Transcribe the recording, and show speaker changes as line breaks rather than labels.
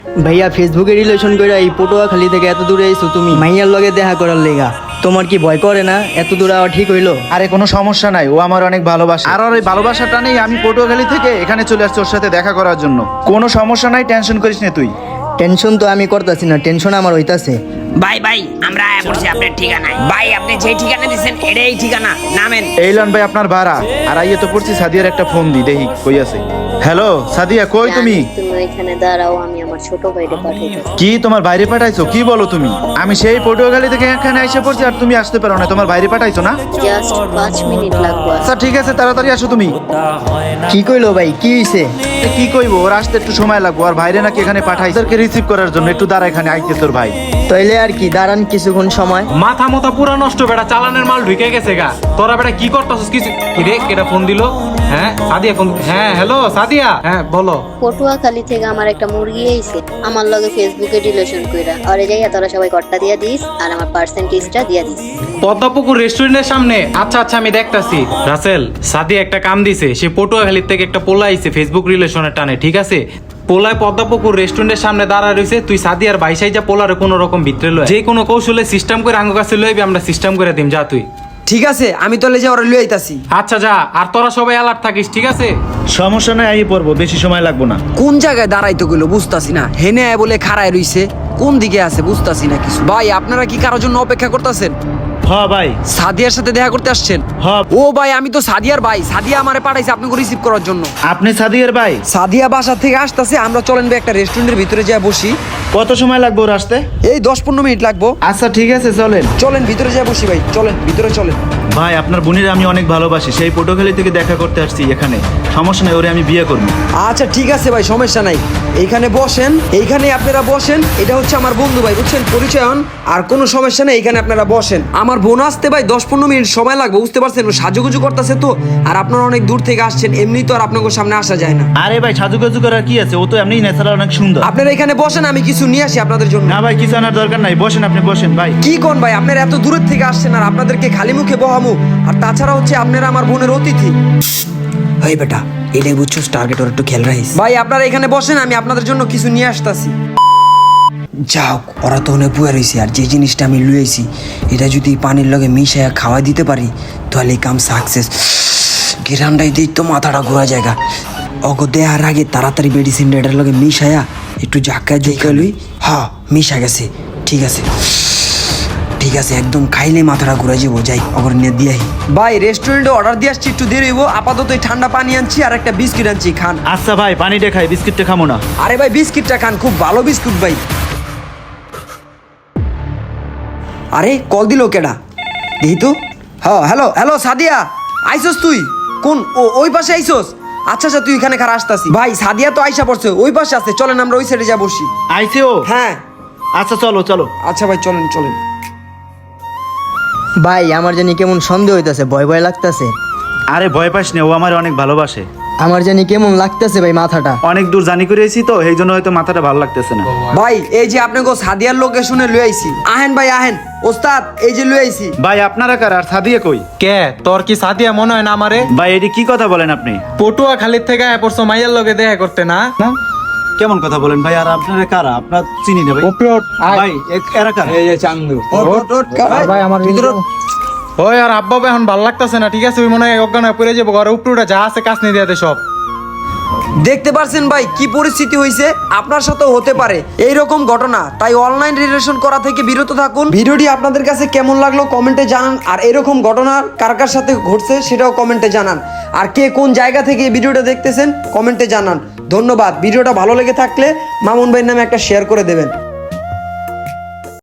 ভাইয়া ফেসবুকে রিলেশন করে এই পটুয়াখালী থেকে এত দূরে এসো তুমি মাইয়ার লগে দেখা করার লেগা, তোমার কি ভয় করে না? এত দূরে আওয়া ঠিক হইলো?
আরে কোনো সমস্যা নাই, ও আমার অনেক ভালোবাসে। আর ওর এই ভালোবাসাটা নেই আমি পটুয়াখালী থেকে এখানে চলে আসছি ওর সাথে দেখা করার জন্য। কোনো সমস্যা নাই, টেনশন করিস না তুই।
টেনশন তো আমি করতেছি না, টেনশন আমার হইতাছে।
ভাই ভাই আমরা আয়া পড়ছি আপনার ঠিকানায়। ভাই আপনি যে ঠিকানা দিচ্ছেন এটাই ঠিকানা, নামেন।
এই লন ভাই আপনার ভাড়া। আর আইয়ে তো পড়ছি সাদিয়ার একটা ফোন দি, দেখি কই আছে। হ্যালো সাদিয়া, কই তুমি?
তুমি এখানে দাঁড়াও, আমি আমার ছোট ভাইকে পাঠাইতেছি।
কি তোমার বাইরে পাঠাইছো? কি বলো তুমি? আমি সেই পটুয়াখালী থেকে এখানে এসে পড়ছি আর তুমি আসতে পারো না, তোমার বাইরে পাঠাইছো না?
জাস্ট 5 মিনিট লাগবে।
আচ্ছা ঠিক আছে, তাড়াতাড়ি আসো তুমি।
কি কইলো ভাই, কি হইছে?
কি কইবো, ওর আসতে একটু সময় লাগবে। আর বাইরে নাকি এখানে পাঠাইছে ওদেরকে রিসিভ করার জন্য। একটু দাঁড়া, এখানে আইতে তোর ভাই।
তাইলে আর কি, দাঁড়ান কিছুক্ষণ সময়।
মাথা মতো পুরা নষ্ট, বেটা চালানের মাল ঢুকে গেছে গা। তোরা বেটা কি করতেছিস? কিছু কি রে, কেটা ফোন দিল? হ্যাঁ সাদিয়া ফোন। হ্যাঁ হ্যালো সাদিয়া, হ্যাঁ বলো।
পটুয়াখালী থেকে আমার একটা মুরগি আইছে, আমার লগে ফেসবুকে রিলেশন কইরা। আরে যাইয়া তোরা সবাই কট্টা দিয়া দিস আর আমার পার্সেন্টেজটা দিয়া দিস।
পদ্মপুকুর রেস্টুরেন্টের সামনে। আচ্ছা আচ্ছা আমি দেখতাছি। রাসেল, সাদিয়া একটা কাম দিছে, সে পটুয়াখালীর থেকে একটা পোলা আইছে ফেসবুক রিলেশনের টানে, ঠিক আছে? পোলায় পদ্মপুকুর রেস্টুরেন্টের সামনে দাঁড়া রয়েছে। তুই সাদিয়ার বাইসাই যা পোলারে কোনো রকম ভিতরে লয়, যে কোনো কৌশলে সিস্টেম করে আঙ্গ কাছে লইবি, আমরা সিস্টেম করে দিম। যা তুই।
ঠিক আছে, আমি তাহলে যে ওরা লুই আইতাছি।
আচ্ছা যা, আর তোরা সবাই অ্যালার্ট থাকিস, ঠিক আছে?
সমস্যা নাই, আইয়ে পড়বো, বেশি সময় লাগবো না।
কোন জায়গায় দাঁড়াইতে গেলো বুঝতাছি না, হেনে আয় বলে খাড়ায় রইছে, কোন দিকে আছে বুঝতাছি না কিছু। ভাই আপনারা কি কারোর জন্য অপেক্ষা করতেছেন?
হ্যাঁ ভাই।
সাদিয়ার সাথে দেখা করতে আসছেন?
হ্যাঁ।
ও ভাই আমি তো সাদিয়ার ভাই, সাদিয়া আমারে পাঠাইছে আপনাকে রিসিভ করার জন্য।
আপনি সাদিয়ার ভাই?
সাদিয়া বাসা থেকে আসতেছে, আমরা চলেন ভাই একটা রেস্টুরেন্টের ভিতরে যা বসি।
কত সময় লাগবে ওর আসতে?
এই 10-15 মিনিট লাগবো।
আচ্ছা ঠিক আছে, চলেন।
চলেন ভিতরে যা বসি ভাই, চলেন ভিতরে চলেন।
ভাই আপনার বোনের আমি অনেক ভালোবাসি, সেই পটুয়াখালী থেকে দেখা করতে আসছি এখানে। সমস্যা নাই, ওরে আমি বিয়ে করবো।
আচ্ছা ঠিক আছে ভাই, সমস্যা নাই, এইখানে বসেন, এইখানে আপনারা বসেন। এটা হচ্ছে আমার বন্ধু ভাই, বুঝছেন, পরিচয় হন। আর কোনো সমস্যা নেই, এইখানে আপনারা বসেন। আমার বোন আসতে ভাই 10-15 মিনিট সময় লাগবে, বুঝতে পারছেন, ও সাজুগুজু করতেছে তো। আর আপনারা অনেক দূর থেকে আসছেন, এমনি তো আর আপনাদের সামনে আসা যায় না।
আরে ভাই সাজুগুজু করার কি আছে, ও তো এমনি ন্যাচারাল অনেক সুন্দর।
আপনারা এখানে বসেন, আমি কিছু নিয়ে আসি আপনাদের জন্য।
না ভাই, কিছু আনার দরকার নাই, বসেন, আপনি বসেন ভাই।
কি কোন ভাই, আপনারা এত দূরের থেকে আসছেন আর আপনাদেরকে খালি মুখে বহামু? আর তাছাড়া হচ্ছে আপনারা আমার বোনের অতিথি। এই বেটা, এটাই বুঝছস, টার্গেট ওর একটু খেয়াল রাখিস। ভাই আপনারা এখানে বসেন, আমি আপনাদের জন্য কিছু নিয়ে আসতাছি। যাও, ওরা তো অনেক বুয়া রয়েছে। আর যে জিনিসটা আমি লুয়েছি, এটা যদি পানির লগে মিশাইয়া খাওয়া দিতে পারি তাহলে এই কাম সাকসেস। গিরান্ডাই দিই তো মাথাটা ঘোরা জায়গা। অগ দেয়ার আগে তাড়াতাড়ি মেডিসিন এটার লগে মিশাইয়া একটু জাক্কা জুইকা লুই। হ্যাঁ মিশা গেছে, ঠিক আছে ঠিক আছে, একদম খাইলে মাথাটা ঘুরে যাবো। যাই অগর নিয়ে দিয়ে ভাই, রেস্টুরেন্টে অর্ডার দিয়ে আসছি, একটু দেরি হইব। আপাতত এই ঠান্ডা পানি আনছি আর একটা বিস্কিট আনছি, খান।
আচ্ছা ভাই, পানিটা খাই, বিস্কিটটা খামো না।
আরে ভাই বিস্কিটটা খান, খুব ভালো বিস্কুট ভাই। আরে কল দিল কেডা, দেখি তো। হ্যাঁ হ্যালো হ্যালো সাদিয়া, আইসোস তুই? কোন ওই পাশে আইসোস? আচ্ছা আচ্ছা তুই এখানে খারাপ আসতাছি। ভাই সাদিয়া তো আইসা পড়ছে, ওই পাশে আছে, চলেন আমরা ওই সাইডে যা বসি।
আইছে ও?
হ্যাঁ
আচ্ছা চলো চলো।
আচ্ছা ভাই চলেন চলেন।
ভাই আমার জানি কেমন সন্দেহ হইতাছে, ভয় ভয় লাগতাছে।
আরে ভয় পাস না, ও আমার অনেক ভালোবাসে।
আমার জানি কেমন লাগতাছে ভাই, মাথাটা।
অনেক দূর জানি করে এসেছি তো, এই জন্য হয়তো মাথাটা ভালো লাগতেছে না।
ভাই এই যে আপনাকে সাদিয়ার লোকেশনে লই আইছি, আহেন ভাই আহেন। ওস্তাদ এই যে লই আইছি।
ভাই আপনারা কার? আর সাদিয়া কই?
কে তোর কি সাদিয়া মনে হয় না আমারে?
ভাই এটি কি কথা বলেন আপনি?
পটুয়াখালীর থেকে আয়া পড়ছো মাইয়ার লগে দেখা করতে, না?
কেমন কথা বলেন ভাই? আর আপনারা কারা? আপনার চিনি না ভাই। ভাই এরা কারা?
এই যে চান্দু।
ভাই আমার
ওই আর আব্বা এখন ভালো লাগতেছে না, ঠিক আছে? ওই মনে হয় অজ্ঞান হয়ে পড়ে যাবো, ঘরে উপরে যা আছে কাজ নিয়ে দিয়াতে সব।
দেখতে পারছেন ভাই কি পরিস্থিতি হয়েছে, আপনার সাথেও হতে পারে এইরকম ঘটনা। তাই অনলাইন রিলেশন করা থেকে বিরত থাকুন। ভিডিওটি আপনাদের কাছে কেমন লাগলো কমেন্টে জানান। আর এরকম ঘটনা কার কার সাথে ঘটছে সেটাও কমেন্টে জানান। আর কে কোন জায়গা থেকে এই ভিডিওটা দেখতেছেন কমেন্টে জানান। ধন্যবাদ। ভিডিওটা ভালো লেগে থাকলে মামুন ভাইয়ের নামে একটা শেয়ার করে দেবেন।